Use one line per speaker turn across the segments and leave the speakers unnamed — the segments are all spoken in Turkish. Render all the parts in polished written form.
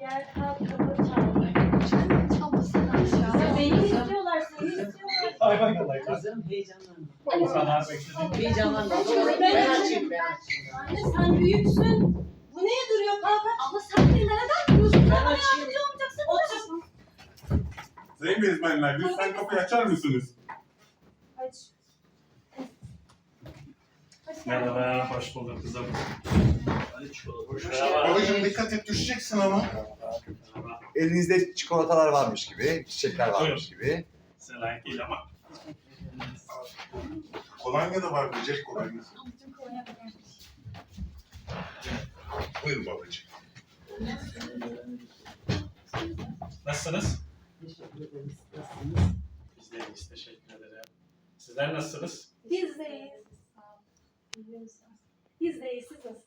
Gel kalk kapı çal.
Çalmasın aşağı.
Ya beni istiyorlar, seni istiyorlar.
Ay bak Allah.
Kızım heyecanlanma.
O kadar bekledim.
Heyecanlanma.
Ben
açayım.
Anne sen büyüksün. Bu neye duruyor kalk? Abla sen beni neden duruyorsun?
Ben
Bana
açayım.
yardımcı olmayacaksın. Otur.
Sayın bezmenler, lütfen kapıyı açar mısınız?
Aç. Hoş geldin.
Merhaba, hoş bulduk kızım.
Hoş
Merhaba.
Babacığım dikkat et, düşeceksin ama.
Merhaba.
Elinizde çikolatalar varmış gibi, çiçekler varmış gibi.
Size layık değil ama.
Kolonya da var, böcek kolonyası.
Ablacığım kolonya gelmiş.
Buyur babacığım.
Nasılsınız?
Teşekkür ederiz. Nasılsınız?
Biz de iyiyiz, teşekkür ederim. Sizler nasılsınız?
Biz deyiz. Biz deyiz. Siz nasılsınız?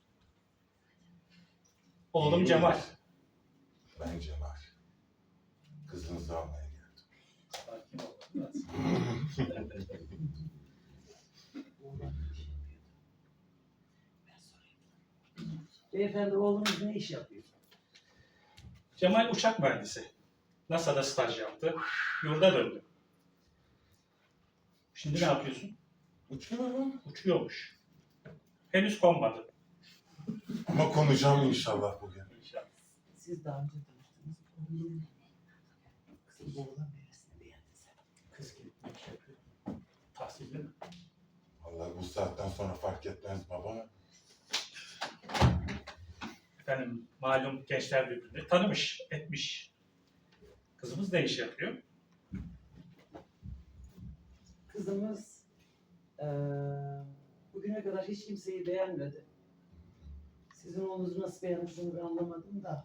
Oğlum Cemal.
Ben Cemal. Kızınızı almaya geldim.
Sakin ol. biraz.
Beyefendi oğlunuz ne iş yapıyor?
Cemal uçak mühendisi. NASA'da staj yaptı. Yurda döndü. Şimdi ne yapıyorsun?
Uçuyor mu?
Uçuyormuş. Henüz konmadı.
Ama konuşacağım inşallah bugün.
İnşallah.
Siz daha önce tanıştınız. Oğlum. Kızım bu oğlan neresini beğendin sen?
Kız gibi ne iş yapıyor? Tahsilli mi?
Vallahi bu saatten sonra fark etmez baba.
Efendim malum gençler birbirini tanımış, etmiş. Kızımız ne iş yapıyor?
Kızımız bugüne kadar hiç kimseyi beğenmedi. Sizin oğlunuzu nasıl beğenmiş onu ben anlamadım da.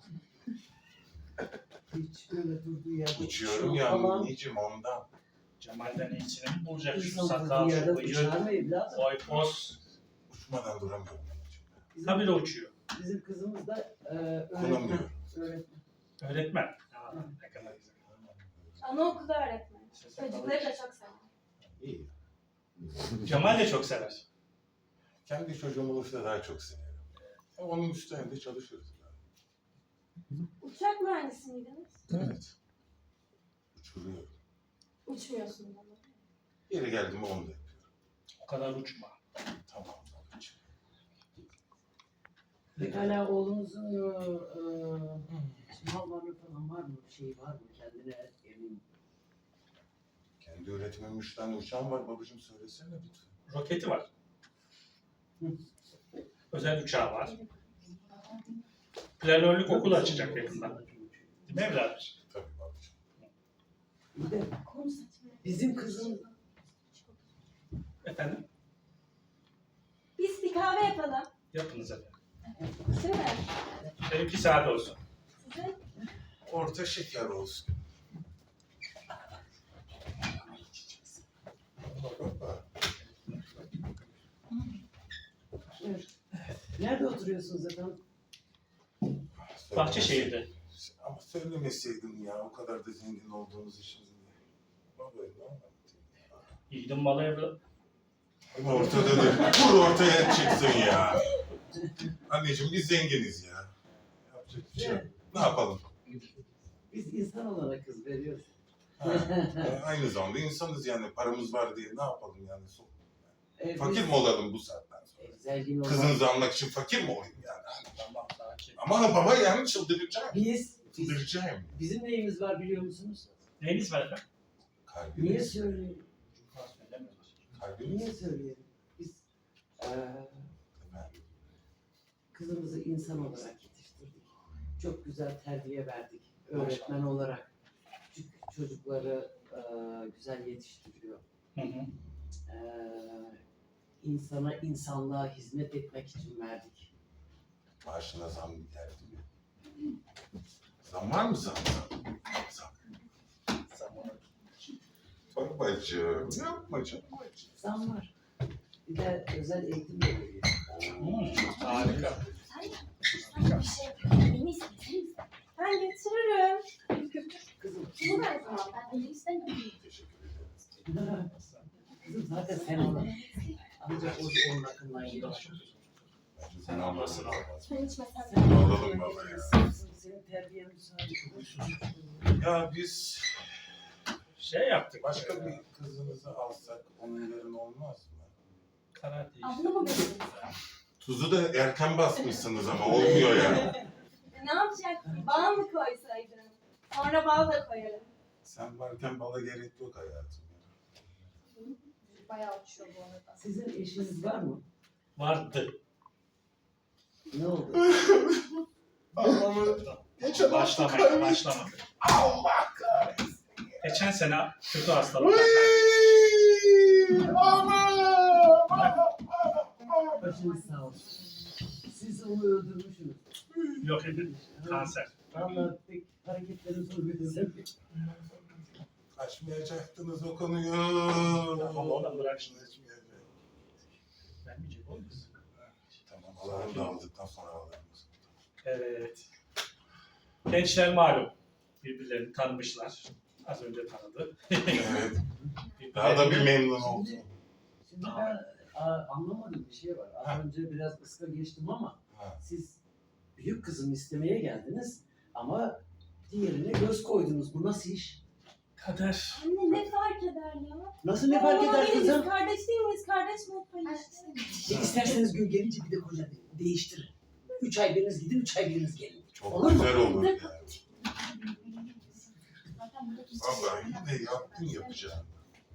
Hiç böyle durduğu yerde
Uçuyorum ya anneciğim ondan.
Cemal'den iyisini mi bulacak? Şu
İnsan
sakal,
durduğu
şu
yerde uçar mı
bıyık,
evladım?
boy, poz.
Uçmadan duramıyorum anneciğim.
Tabii de uçuyor.
Bizim kızımız da öğretmen.
Konamıyorum.
Öğretmen.
Öğretmen. Aa, ne kadar güzel.
Anaokulda öğretmen. Çocukları da çok sever.
İyi.
Cemal de çok sever.
Kendi çocuğum olursa daha çok severim. Onun üstünde çalışırız.
Uçak mühendisi miydiniz?
Evet. Uçuruyorum.
Uçmuyorsunuz ama.
Yeri geldi mi onu da yapıyorum.
O kadar uçma.
Tamam babacığım.
Pekala oğlunuzun mal varlığı falan var mı? Bir şey var mı? Kendine emin.
Kendi üretmemin 3 tane uçağım var babacığım, söylesene lütfen.
Roketi var. Özel uçağı var. Planörlük okul açacak yakında. Değil mi evladım?
Tabii babacığım.
Bir de bizim kızım
Efendim?
Biz bir kahve yapalım.
Yapınız efendim.
Değil mi?
Benimki sade olsun.
Sizin?
Orta şeker olsun.
nerede oturuyorsunuz efendim?
Bahçeşehir'de.
Ama söylemeseydim ya, o kadar da zengin olduğunuzu şimdi. Baba ne anlattın?
Yiğidin malı evladım.
Ortada da vur ortaya çıksın ya. Anneciğim biz zenginiz ya. Yapacak bir şey yok. Ne yapalım?
Biz insan olarak kız veriyoruz.
Ha, aynı zamanda insanız yani, paramız var diye ne yapalım yani? Fakir
Biz-
mi olalım bu saatten sonra?
Zengin olan.
Kızınızı almak için fakir mi olayım yani?
Tamam sakin.
Ama baba yani çıldıracağım.
Biz
Çıldıracağım.
bizim neyimiz var biliyor musunuz?
Neyiniz var efendim?
Kalbimiz.
Niye söyleyelim?
Kalbimiz.
Niye söyleyelim? Biz
Efendim,
kızımızı insan olarak yetiştirdik. Çok güzel terbiye verdik. Öğretmen olarak. Küçük çocukları güzel yetiştiriyor.
Hı hı.
İnsana, insanlığa hizmet etmek için verdik.
maaşına zam geldi mi? Zam var mı zam? Zam. Babacığım, yapma canım.
Zam var. Bir de özel eğitim de veriyor.
Harika.
Sen bir şey yapıyorsun. Beni isteseniz. Ben getiririm.
Kızım,
Bunu ver zaman. Ben beni istemiyorum.
Teşekkür ederim.
kızım zaten sen ona. Ancak o onun hakkından gidiyor.
Bence sen almasın.
Sen içmesen.
Alalım baba ya.
senin terbiyen müsaade.
Ya biz
Şey yaptık.
başka bir kızınızı alsak onun yerine olmaz mı?
Karar değişti.
Abla mı götürdün?
Tuzu da erken basmışsınız ama olmuyor ya.
Ne yapacaksın? Bal mı koysaydın? Sonra bal da koyarım.
Sen varken bala gerek yok hayatım.
Bayağı uçuyor bu arada.
Sizin eşiniz var mı?
Vardı.
Ne oldu?
Allah'ım. Geçen hafta
Başlamadı.
Allah kahretsin.
Geçen sene kötü hastalıklar.
Başınız sağ olsun. Siz onu öldürmüşsünüz.
Yok edin. Kanser.
Vallahi pek hareketleriniz uymuyor.
Açmayacaktınız o konuyu.
Tamam oğlum bırak şimdi.
Açmayacak.
Vermeyecek oğlum.
Tamam alarm da aldıktan sonra alırız.
Evet. Gençler malum. Birbirlerini tanımışlar. Az önce tanıdı.
Evet. Daha da bir memnun oldum.
Şimdi ben anlamadığım bir şey var. Az önce biraz ıska geçtim ama
Ha.
siz büyük kızımı istemeye geldiniz ama diğerine göz koydunuz. Bu nasıl iş?
Kader.
Anne ne fark eder ya?
Nasıl ne fark eder
Biz
kızım?
kardeş değil miyiz? Kardeş mi yapayım işte?
İsterseniz gün gelince bir de koca değiştirin. 3 ay biriniz gidin, 3 ay biriniz gelin.
Çok
Olur mu?
güzel olur yani.
Zaten burada hiç
Vallahi yine yaptın yapacağını.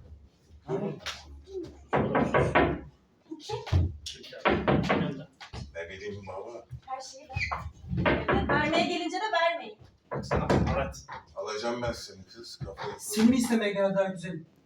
Bu kim?
Ne bileyim baba.
Her şeyi ver. Vermeye gelince de vermeyin.
Sana evet.
Alacağım ben seni kız kafayı.
Seni mi istemeye geldi daha güzelim?